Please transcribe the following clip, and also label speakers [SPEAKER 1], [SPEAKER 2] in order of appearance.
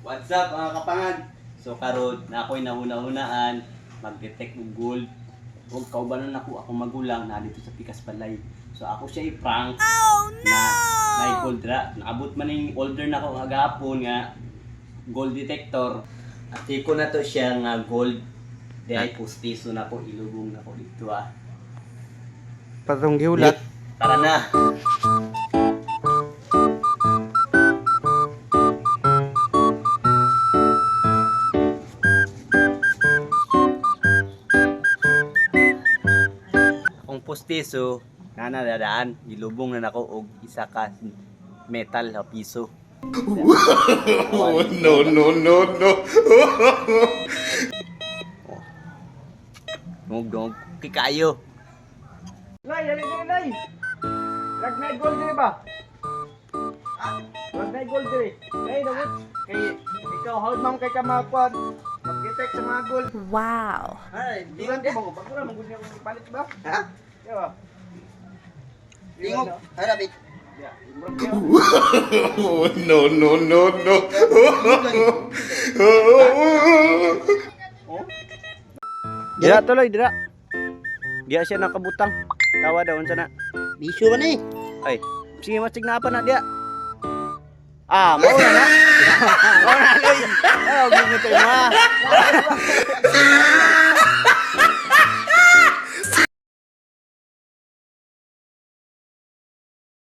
[SPEAKER 1] What's up mga kapangan? So karon na ako'y nahuna-hunaan mag-detect og gold. Huwag kaubanon ako magulang na dito sa Pikas Balay. So ako siya i-prank na may gold ra. Naabot man ning order na ako agapon nga gold detector. At ko na to siya nga gold. Dahil pustiso na ko ilugong na ko dito ah.
[SPEAKER 2] Patong giulat.
[SPEAKER 1] Tara na. Akong postiso na nadadaan, gilubong na nako og isa ka metal na piso.
[SPEAKER 3] Oh, no, no, no, no.
[SPEAKER 1] Ngog kikayo.
[SPEAKER 2] Lay, dali dali lay. Lag na gold dire ba? Ha? Lag na gold dire. Lay dawit. Kay ikaw hold man kay ka makuan. Mag-detect sa mga gold.
[SPEAKER 4] Wow.
[SPEAKER 2] Ay, di lang ko bagura man gud niya palit ba?
[SPEAKER 5] Ha?
[SPEAKER 2] Diba?
[SPEAKER 5] Tingog. Harapit.
[SPEAKER 3] Oh, no, no, no, no.
[SPEAKER 2] Dira tuloy, dira. Dia siya nakabutang. Tawa daw unsa na.
[SPEAKER 5] Bisyo man eh.
[SPEAKER 2] Ay, sige mas tignapan na dia. Ah, mau na na. Mau na loy. Oh, gini tayo ma.